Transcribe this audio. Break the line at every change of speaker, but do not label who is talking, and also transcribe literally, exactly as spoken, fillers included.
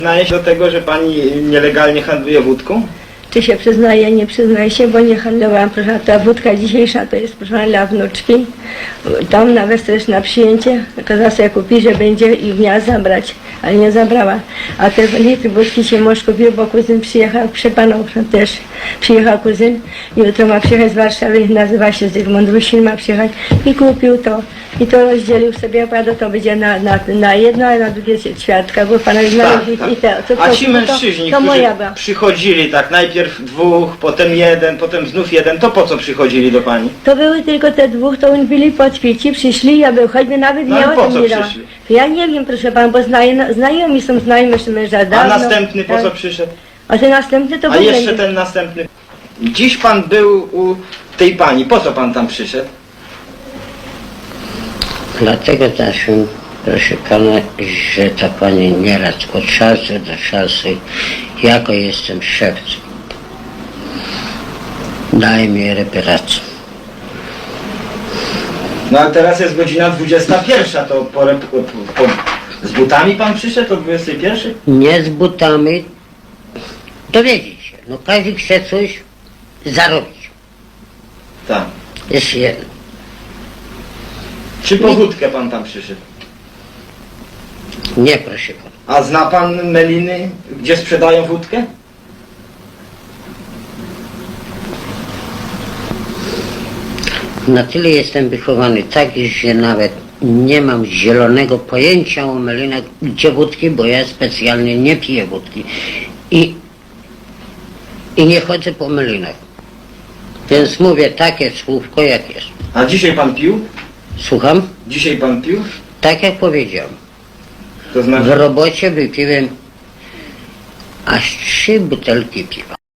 Przyznaje się do tego, że pani nielegalnie handluje wódką?
Czy się przyznaje, nie przyznaje się, bo nie handlowałam, proszę, ta wódka dzisiejsza to jest, proszę, dla wnuczki. Tam nawet też na przyjęcie kazała sobie kupić, że będzie i miała zabrać, ale nie zabrała. A te litry wódki się mąż kupił, bo kuzyn przyjechał, przepanął też, przyjechał kuzyn. Jutro ma przyjechać z Warszawy, nazywa się Zygmunt Rusin, ma przyjechać i kupił to. I to rozdzielił sobie, opowiadał, to będzie na, na, na jedno, a na drugie ćwiartka, bo pana znaleźli
tak.
i te. Co,
A
to,
ci
to,
mężczyźni,
to, to
którzy
moja była.
przychodzili tak, najpierw dwóch, potem jeden, potem znów jeden, to po co przychodzili do pani?
To były tylko te dwóch, to oni byli podpici, przyszli, ja był, choćby nawet
No
nie
ale
o
po
tym
co
nie dała.
przyszli?
Ja nie wiem, proszę pana, bo znajomi, znajomi są znajomi męża
A
dawno.
następny po
tak.
co przyszedł?
A ten następny to w
A
ogóle
jeszcze
nie.
ten następny. Dziś pan był u tej pani, po co pan tam przyszedł?
Dlatego też, proszę pana, że ta pani nieraz od czasu do czasu, jako jestem szewcem, daje mi reparację.
No ale teraz jest godzina dwudziesta pierwsza, to po, rep- po, po, z butami pan przyszedł o dwudziestej pierwszej?
Nie z butami, dowiedzieć się. No każdy chce coś zarobić.
Tak.
Jest jedno.
Czy po wódkę pan tam przyszedł?
Nie, proszę pana.
A zna pan meliny, gdzie sprzedają wódkę?
Na tyle jestem wychowany tak, że nawet nie mam zielonego pojęcia o melinach, gdzie wódki, bo ja specjalnie nie piję wódki. I, i nie chodzę po melinach. Więc mówię takie słówko, jak jest.
A dzisiaj pan pił?
Słucham?
Dzisiaj pan pił?
Tak jak powiedziałem.
To
W
znaczy...
robocie wypiłem aż trzy butelki piwa.